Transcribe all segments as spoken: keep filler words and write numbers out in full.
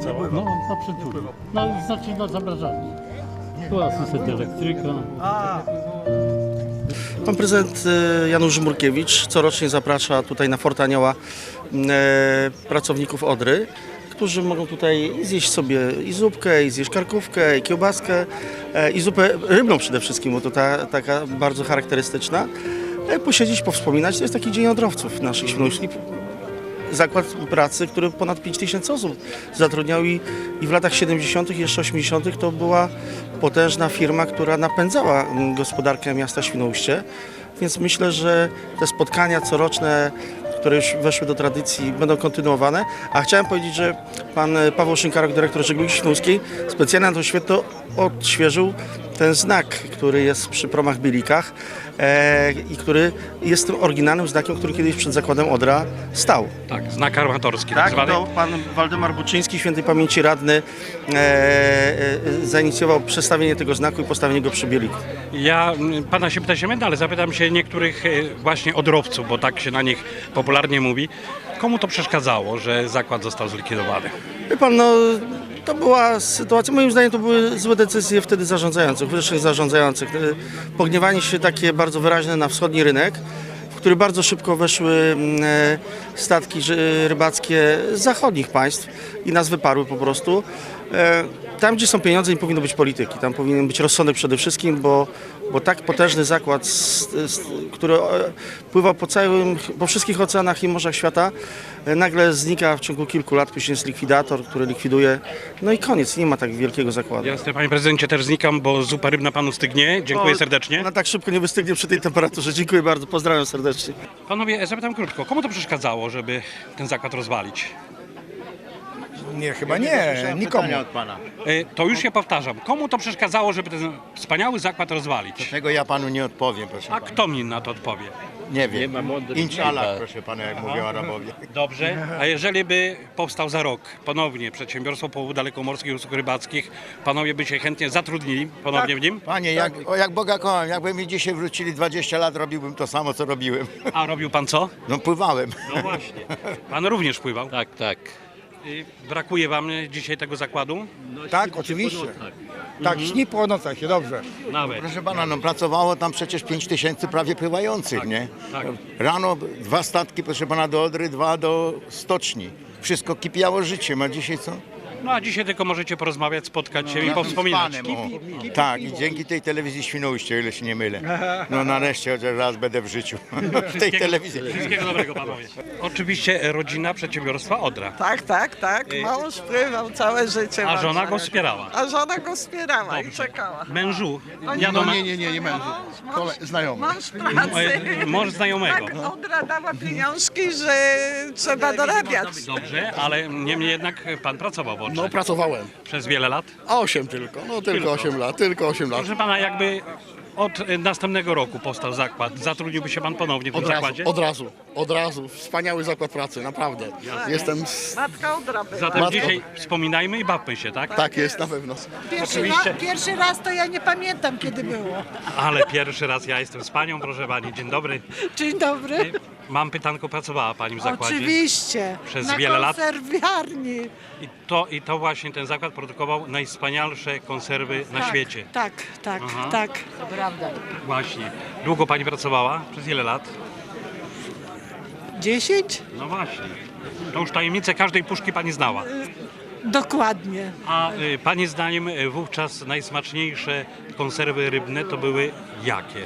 cała? No, na przyczółku. No, znaczy na zamrażarni. Tu asystent elektryka. Pan prezydent e, Janusz Żmurkiewicz corocznie zaprasza tutaj na Fort Anioła e, pracowników Odry, którzy mogą tutaj zjeść sobie i zupkę, i zjeść karkówkę, i kiełbaskę, e, i zupę rybną przede wszystkim, bo to ta, taka bardzo charakterystyczna. E, posiedzieć, powspominać. To jest taki dzień odrowców naszych świnoujskich. Zakład pracy, który ponad pięć tysięcy osób zatrudniał i, i w latach siedemdziesiątych i jeszcze osiemdziesiątych to była potężna firma, która napędzała gospodarkę miasta Świnoujście. Więc myślę, że te spotkania coroczne, które już weszły do tradycji, będą kontynuowane. A chciałem powiedzieć, że pan Paweł Szynkarok, dyrektor żeglugi śląskiej, specjalnie na to święto odświeżył ten znak, który jest przy promach Bielikach e, i który jest tym oryginalnym znakiem, który kiedyś przed zakładem Odra stał. Tak, znak armatorski tak Tak, zwany. to pan Waldemar Buczyński, świętej pamięci radny, e, e, zainicjował przestawienie tego znaku i postawienie go przy Bieliku. Ja mm, pana się pytać nie będę, ale zapytam się niektórych e, właśnie odrowców, bo tak się na nich popularnie mówi. Komu to przeszkadzało, że zakład został zlikwidowany? Wie pan, no to była sytuacja, moim zdaniem to były złe decyzje wtedy zarządzających, wyższych zarządzających. E, Pogniewanie się takie bardzo wyraźne na wschodni rynek, w który bardzo szybko weszły e, statki ży- rybackie z zachodnich państw i nas wyparły po prostu. E, Tam, gdzie są pieniądze, nie powinno być polityki. Tam powinien być rozsądek przede wszystkim, bo, bo tak potężny zakład, s- s- który e, pływa po całym, po wszystkich oceanach i morzach świata, e, nagle znika w ciągu kilku lat, później jest likwidator, który likwiduje. No i koniec, nie ma tak wielkiego zakładu. Jasne, panie prezydencie, też znikam, bo zupa rybna panu stygnie. Dziękuję O, serdecznie. Ona tak szybko nie wystygnie przy tej temperaturze. Dziękuję bardzo, pozdrawiam serdecznie. Panowie, zapytam krótko, komu to przeszkadzało, żeby ten zakład rozwalić? Nie, chyba nie, nikomu. E, To już się powtarzam. Komu to przeszkadzało, żeby ten wspaniały zakład rozwalić? Tego ja panu nie odpowiem, proszę A pana. kto mi na to odpowie? Nie wiem. Inshallah, proszę pana, jak mówią Arabowie. Dobrze. A jeżeli by powstał za rok ponownie przedsiębiorstwo połowów dalekomorskich i usług rybackich, panowie by się chętnie zatrudnili ponownie w nim? Panie, jak, o, jak Boga kocham, jakby mi dzisiaj wrócili dwadzieścia lat, robiłbym to samo, co robiłem. A robił pan co? No pływałem. No właśnie. Pan również pływał. Tak, tak. Y, Brakuje wam dzisiaj tego zakładu? Tak, oczywiście. Tak, śni po nocach się dobrze. Nawet. Proszę pana, no pracowało tam przecież pięć tysięcy prawie pływających, nie? tak. Rano dwa statki, proszę pana, do Odry, dwa do stoczni. Wszystko kipiało życiem, a dzisiaj co? No a dzisiaj tylko możecie porozmawiać, spotkać się i Z powspominać. panem, o. Tak, i dzięki tej telewizji Świnoujście, o ile się nie mylę. No nareszcie chociaż raz będę w życiu. W tej telewizji. Wszystkiego dobrego panowie. Oczywiście rodzina przedsiębiorstwa Odra. Tak, tak, tak. Mąż pływał całe życie. A żona Marszałek. go wspierała. A żona go wspierała i czekała. Mężu, No ja do nie, nie, nie, nie mężu. Mąż, Kole- znajomy. mąż pracy. e, mąż znajomego. Tak, Odra dała pieniążki, że trzeba dorabiać. Dobrze, ale niemniej jednak pan pracował w Odrze. No pracowałem. Przez wiele lat. A osiem tylko, no tylko osiem lat, tylko osiem lat. Proszę pana, jakby od e, następnego roku powstał zakład, zatrudniłby się pan ponownie w tym Od razu, zakładzie? od razu, od razu. Wspaniały zakład pracy, naprawdę. Jestem, z... Matka Odra była. Zatem Matko. dzisiaj wspominajmy i bawmy się, tak? tak jest na pewno. Pierwszy, Oczywiście. raz, pierwszy raz to ja nie pamiętam, kiedy było. Ale pierwszy raz ja jestem z panią, proszę pani. Dzień dobry. Dzień dobry. Mam pytanko, pracowała pani w zakładzie? Oczywiście. Przez na wiele lat? konserwiarni. I to, I to właśnie ten zakład produkował najwspanialsze konserwy na tak, świecie. Tak, tak, Aha. tak. Właśnie. Długo pani pracowała? Przez ile lat? Dziesięć? No właśnie. To już tajemnicę każdej puszki pani znała. Dokładnie. A y, pani zdaniem y, wówczas najsmaczniejsze konserwy rybne to były jakie?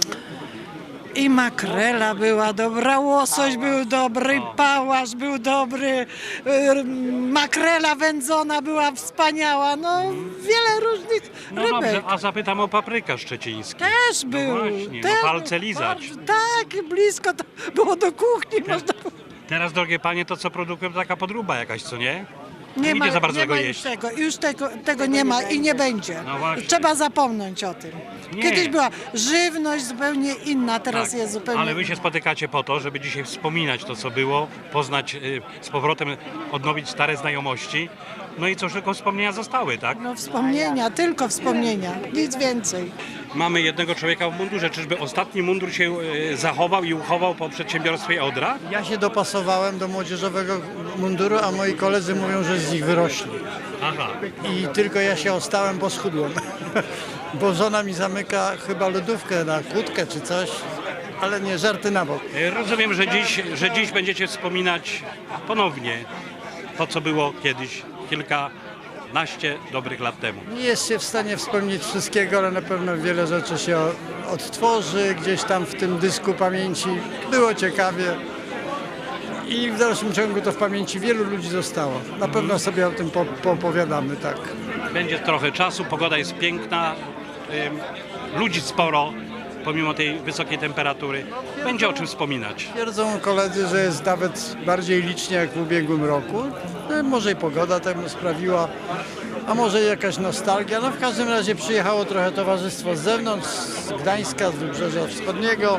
I makrela była dobra, łosoś był dobry, pałasz był dobry, y, makrela wędzona była wspaniała, no wiele różnych No rybek. dobrze, a zapytam o paprykę szczecińską. Też był. właśnie, no też, palce lizać. Tak, blisko to było do kuchni. Można było. Teraz, drogie panie, to co produkują, to taka podróba jakaś, co nie? Nie idzie ma, za bardzo nie tego ma jeść. już tego, już tego, tego nie ma i nie będzie. No właśnie. Trzeba zapomnieć o tym. Nie. Kiedyś była żywność zupełnie inna, teraz Tak, jest zupełnie ale wy się spotykacie po to, żeby dzisiaj wspominać to, co było, poznać y, z powrotem, odnowić stare znajomości. No i cóż, tylko wspomnienia zostały, tak? no, wspomnienia, tylko wspomnienia, nic więcej. mamy jednego człowieka w mundurze. Czyżby ostatni mundur się e, zachował i uchował po przedsiębiorstwie Odra? Ja się dopasowałem do młodzieżowego munduru, a moi koledzy mówią, że z nich wyrośli. Aha. I tylko ja się ostałem, bo schudłem. Bo żona mi zamyka chyba lodówkę na kłódkę czy coś, ale nie, żarty na bok. E, Rozumiem, że dziś, że dziś będziecie wspominać ponownie to, co było kiedyś, kilkanaście dobrych lat temu. Nie jest się w stanie wspomnieć wszystkiego, ale na pewno wiele rzeczy się odtworzy gdzieś tam w tym dysku pamięci. Było ciekawie i w dalszym ciągu to w pamięci wielu ludzi zostało. Na pewno sobie o tym po- poopowiadamy, tak. Będzie trochę czasu, pogoda jest piękna, ym, ludzi sporo, pomimo tej wysokiej temperatury. Będzie o czym wspominać. Twierdzą koledzy, że jest nawet bardziej licznie jak w ubiegłym roku. No, może i pogoda temu sprawiła, a może jakaś nostalgia. No w każdym razie przyjechało trochę towarzystwo z zewnątrz, z Gdańska, z Wybrzeża Wschodniego.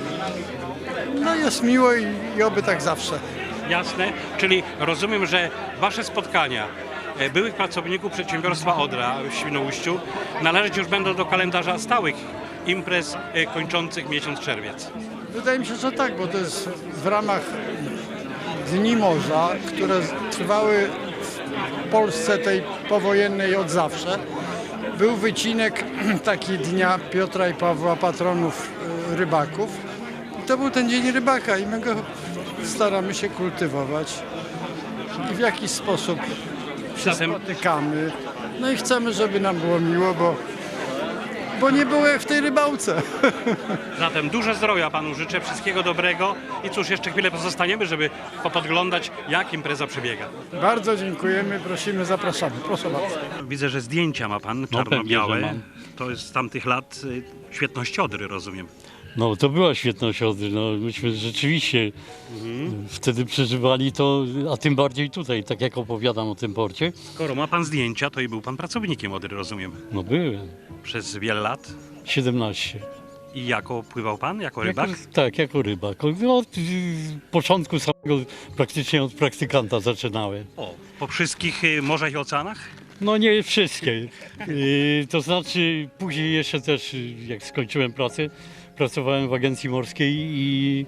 No jest miło i, i oby tak zawsze. Jasne, czyli rozumiem, że wasze spotkania e, byłych pracowników przedsiębiorstwa Odra w Świnoujściu należeć już będą do kalendarza stałych imprez e, kończących miesiąc czerwiec. Wydaje mi się, że tak, bo to jest w ramach Dni Morza, które trwały w Polsce tej powojennej od zawsze. Był wycinek taki dnia Piotra i Pawła, patronów y, rybaków. I to był ten Dzień Rybaka i my go staramy się kultywować i w jakiś sposób się Zatem- spotykamy. No i chcemy, żeby nam było miło, bo, bo nie było jak w tej rybałce. Zatem dużo zdrowia panu życzę, wszystkiego dobrego i cóż, jeszcze chwilę pozostaniemy, żeby popodglądać, jak impreza przebiega. Bardzo dziękujemy, prosimy, zapraszamy. Proszę bardzo. Widzę, że zdjęcia ma pan pewnie, czarno-białe. że mam. To jest z tamtych lat y, świetności Odry, rozumiem. No to była świetność Odry, no myśmy rzeczywiście wtedy przeżywali to, a tym bardziej tutaj, tak jak opowiadam o tym porcie. Skoro ma pan zdjęcia, to i był pan pracownikiem Odry, rozumiem, No byłem, przez wiele lat. siedemnaście. I jako pływał pan, jako rybak? Jako, tak, jako rybak. No, od y, początku samego, praktycznie od praktykanta zaczynałem. O, po wszystkich y, morzach i oceanach? No nie wszystkie. Y, to znaczy później jeszcze też, y, jak skończyłem pracę, pracowałem w agencji morskiej i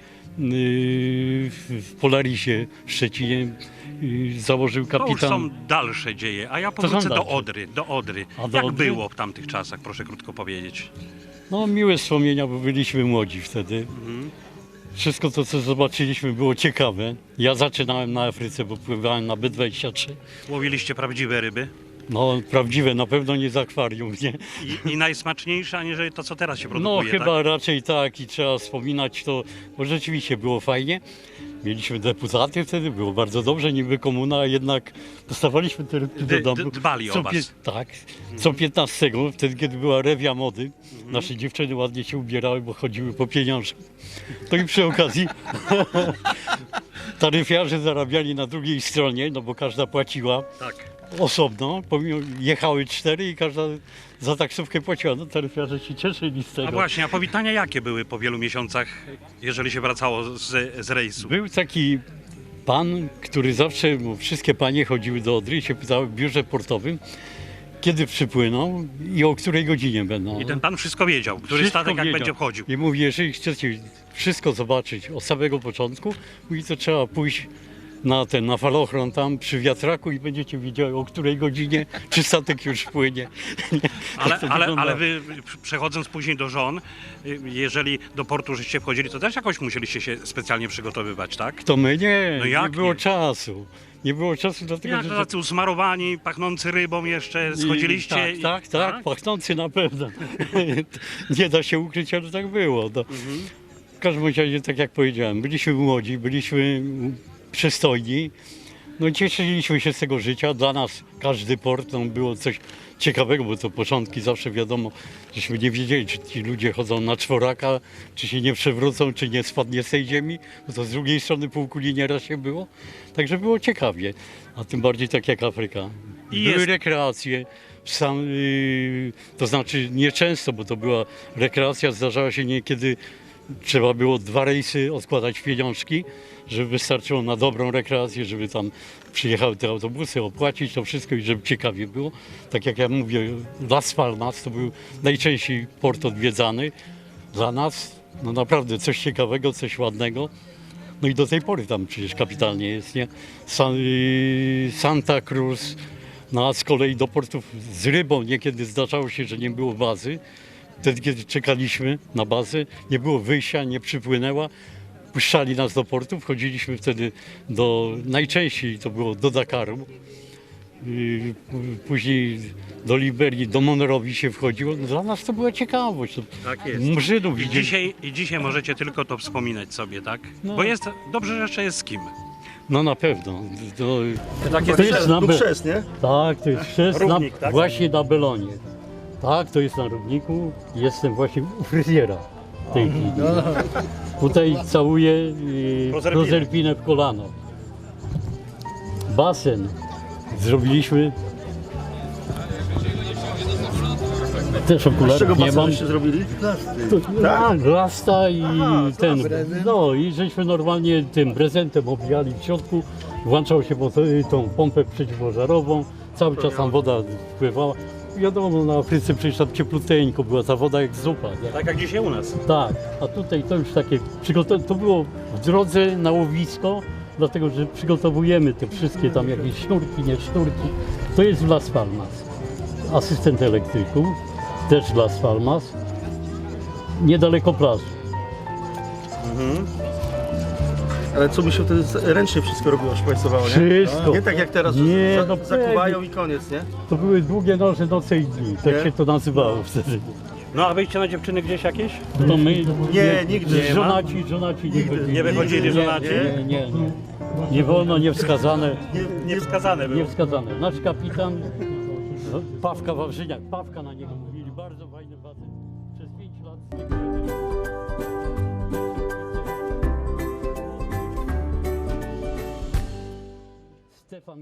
y, w w Polarisie w Szczecinie y, założył To już kapitan. są dalsze dzieje, a ja są powrócę do dalsze. Odry, do Odry. A do Jak Odry? było w tamtych czasach, proszę krótko powiedzieć. No miłe wspomnienia, bo byliśmy młodzi wtedy. Wszystko to, co zobaczyliśmy, było ciekawe. Ja zaczynałem na Afryce, bo pływałem na B dwadzieścia trzy. Łowiliście prawdziwe ryby No prawdziwe, na pewno nie z akwarium, nie? i, i najsmaczniejsze, aniżeli to, co teraz się No produkuje, chyba tak? raczej tak i trzeba wspominać to, bo rzeczywiście było fajnie. Mieliśmy deputaty wtedy, było bardzo dobrze, niby komuna, a jednak dostawaliśmy te rybki do D- domu. d- dbali o Co was. pie- Tak, co piętnastego, wtedy kiedy była rewia mody, nasze dziewczyny ładnie się ubierały, bo chodziły po pieniądze. To i przy okazji taryfiarze zarabiali na drugiej stronie, no bo każda płaciła Tak. osobno, pomimo jechały cztery i każda za taksówkę płaciła. No taryfiarze się cieszyli z tego. A właśnie, a powitania jakie były po wielu miesiącach, jeżeli się wracało z, z rejsu? Był taki pan, który zawsze, bo wszystkie panie chodziły do Odry i się pytały w biurze portowym, kiedy przypłyną i o której godzinie będą. I ten pan wszystko wiedział, który Wszystko statek jak wiedział. będzie wchodził. I mówi, jeżeli chcecie wszystko zobaczyć od samego początku, mówi, to trzeba pójść na ten, na falochron tam przy wiatraku i będziecie wiedzieli, o której godzinie, czy statek już płynie. Ale, Tak to ale, wygląda. ale wy przechodząc później do żon, y, jeżeli do portu żeście wchodzili, to też jakoś musieliście się specjalnie przygotowywać, tak? To my nie, No nie jak było nie? czasu. Nie było czasu dlatego, Jak że... to tacy usmarowani, pachnący rybą jeszcze schodziliście? I, tak, tak, tak, pachnący na pewno. Nie da się ukryć, ale tak było. No. W każdym razie, tak jak powiedziałem, byliśmy młodzi, byliśmy przystojni. No i cieszyliśmy się z tego życia. Dla nas każdy port no, było coś ciekawego, bo to początki zawsze wiadomo, żeśmy nie wiedzieli, czy ci ludzie chodzą na czworaka, czy się nie przewrócą, czy nie spadnie z tej ziemi, bo to z drugiej strony półkuli nieraz się było. Także było ciekawie, a tym bardziej tak jak Afryka. I Były jest- rekreacje, sam, yy, to znaczy nieczęsto, bo to była rekreacja, zdarzała się niekiedy trzeba było dwa rejsy odkładać pieniążki, żeby wystarczyło na dobrą rekreację, żeby tam przyjechały te autobusy, opłacić to wszystko i żeby ciekawie było. Tak jak ja mówię, Las Palmas to był najczęściej port odwiedzany. Dla nas no naprawdę coś ciekawego, coś ładnego. No i do tej pory tam przecież kapitalnie jest, nie? San, y, Santa Cruz, no a z kolei do portów z rybą niekiedy zdarzało się, że nie było bazy. Wtedy, kiedy czekaliśmy na bazę, nie było wyjścia, nie przypłynęła. Puszczali nas do portu, wchodziliśmy wtedy do, najczęściej to było do Dakaru. Yy, Później do Liberii, do Monrowi się wchodziło. Dla nas to była ciekawość. Tak jest. Murzynów I widzieli. dzisiaj, I dzisiaj możecie tylko to wspominać sobie, tak? No. Bo jest dobrze, że jeszcze jest z kim. No na pewno. To, Tak to jest na Tu Be- chrzest, nie? Tak, to jest chrzest na, Równik, tak? właśnie na Belonie. Tak, to jest na Równiku. Jestem właśnie u fryzjera w tej chwili. Tutaj całuję yy, Prozerpinę. prozerpinę w kolano. Basen zrobiliśmy. Też Z czego okularów nie basen mam. żeście zrobili? To, tak, glasta i ten. No i żeśmy normalnie tym prezentem obijali w środku. Włączał się pod tą pompę przeciwpożarową. Cały czas tam woda wpływała. Wiadomo, na Afryce przecież tam ciepluteńko była ta woda jak zupa. Nie? Tak jak dzisiaj u nas. Tak, a tutaj to już takie przygotowane. To było w drodze na łowisko, dlatego że przygotowujemy te wszystkie tam jakieś sznurki, nie sznurki. To jest w Las Palmas. Asystent elektryków, też w Las Palmas. Niedaleko plaży. Ale co by się wtedy z- ręcznie wszystko robiło, szpajsowało, nie? Wszystko. Nie tak jak teraz, że Nie, za, no zakuwają pewnie. i koniec, nie? To były długie noże, noce i dni. Tak Nie? się to nazywało wtedy. No a wyjście na dziewczyny gdzieś jakieś? To my, Nie, nigdy nie ma. żonaci, żonaci nie chodzili. Nie wychodzili Nie, żonaci? Nie, nie, nie. Nie wolno, niewskazane. Niewskazane było. Niewskazane. Nasz kapitan, no, Pawka Wawrzyniak, Pawka na niego.